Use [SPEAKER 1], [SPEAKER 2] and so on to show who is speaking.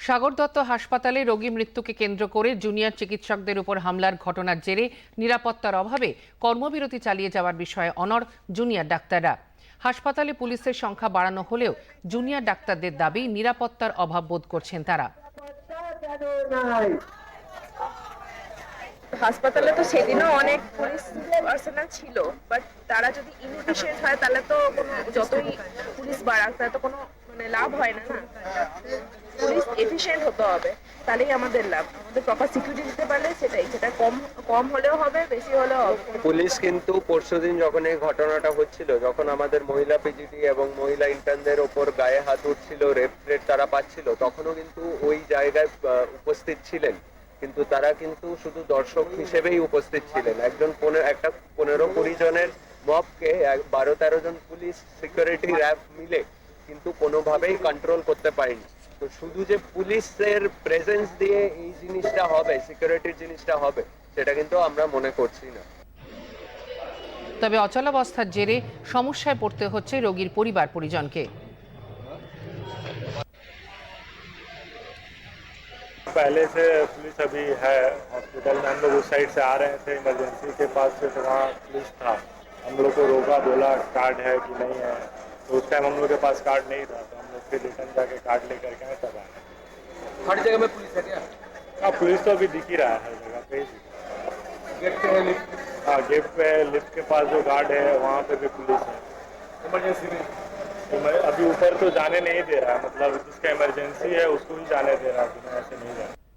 [SPEAKER 1] সাগর দত্ত হাসপাতালে রোগী মৃত্যুকে কেন্দ্র করে জুনিয়র চিকিৎসকদের উপর হামলার ঘটনার জেরে নিরাপত্তার অভাবে কর্মবিরতি চালিয়ে যাওয়ার বিষয়ে অনড় জুনিয়র ডাক্তাররা। হাসপাতালে পুলিশের সংখ্যা বাড়ানো হলেও জুনিয়র ডাক্তারদের দাবি নিরাপত্তার অভাব বোধ করছেন তারা।
[SPEAKER 2] হাসপাতালে তো সেদিনও অনেক পুলিশ পার্সোনাল ছিল, বাট তারা যদি ইনএফিশিয়েন্ট হয় তাহলে তো কোনো যতই পুলিশ বাড়াক তাহলে তো কোনো লাভ হয় না। পুলিশ এফিশিয়েন্ট হতে হবে, তাহলেই আমাদের লাভ। আমাদের প্রপার সিকিউরিটি দিতে পারলে সেটা কম কম হলেও হবে, বেশি হলেও হবে।
[SPEAKER 3] পুলিশ কিন্তু পরশুদিন যখন এই ঘটনাটা হচ্ছিল, যখন আমাদের মহিলা পিজিটি এবং মহিলা ইন্টার্নদের ওপর গায়ে হাত উঠছিল, রেট তারা পাচ্ছিল, তখনও কিন্তু ওই জায়গায় উপস্থিত ছিলেন। কিন্তু তারা কিন্তু শুধু দর্শক হিসেবেই উপস্থিত ছিলেন। একটা 15-20 জনের মবকে 12-13 জন পুলিশ সিকিউরিটি র্যাব মিলে কিন্তু কোনোভাবেই কন্ট্রোল করতে পারেনি। তো শুধু যে পুলিশের প্রেজেন্স দিয়ে এই জিনিসটা হবে, সিকিউরিটির জিনিসটা হবে, সেটা কিন্তু আমরা মনে করছি না।
[SPEAKER 1] তবে অচলাবস্থার জেরে সমস্যায় পড়তে হচ্ছে রোগীর পরিবার পরিজনকে।
[SPEAKER 4] पहले से पुलिस अभी है हॉस्पिटल में। हम लोग उस साइड से आ रहे थे इमरजेंसी के पास से, तो वहाँ पुलिस था। हम लोग को रोका, बोला कार्ड है कि नहीं है। तो उस टाइम हम लोग के पास कार्ड नहीं था, तो हम लोग फिर रिटर्न जाके कार्ड लेकर के आए तब आए।
[SPEAKER 3] हर जगह में पुलिस है क्या?
[SPEAKER 4] हाँ, पुलिस तो अभी दिख ही रहा है हर जगह पे ही।
[SPEAKER 3] गेट पे है,
[SPEAKER 4] हाँ, गेट पे लिफ्ट के पास जो गार्ड है वहाँ पे भी पुलिस है।
[SPEAKER 3] इमरजेंसी में
[SPEAKER 4] अभी ऊपर तो जाने नहीं दे रहा है, मतलब जिसका इमरजेंसी है उसको ही जाने दे रहा है, ऐसे नहीं जाने।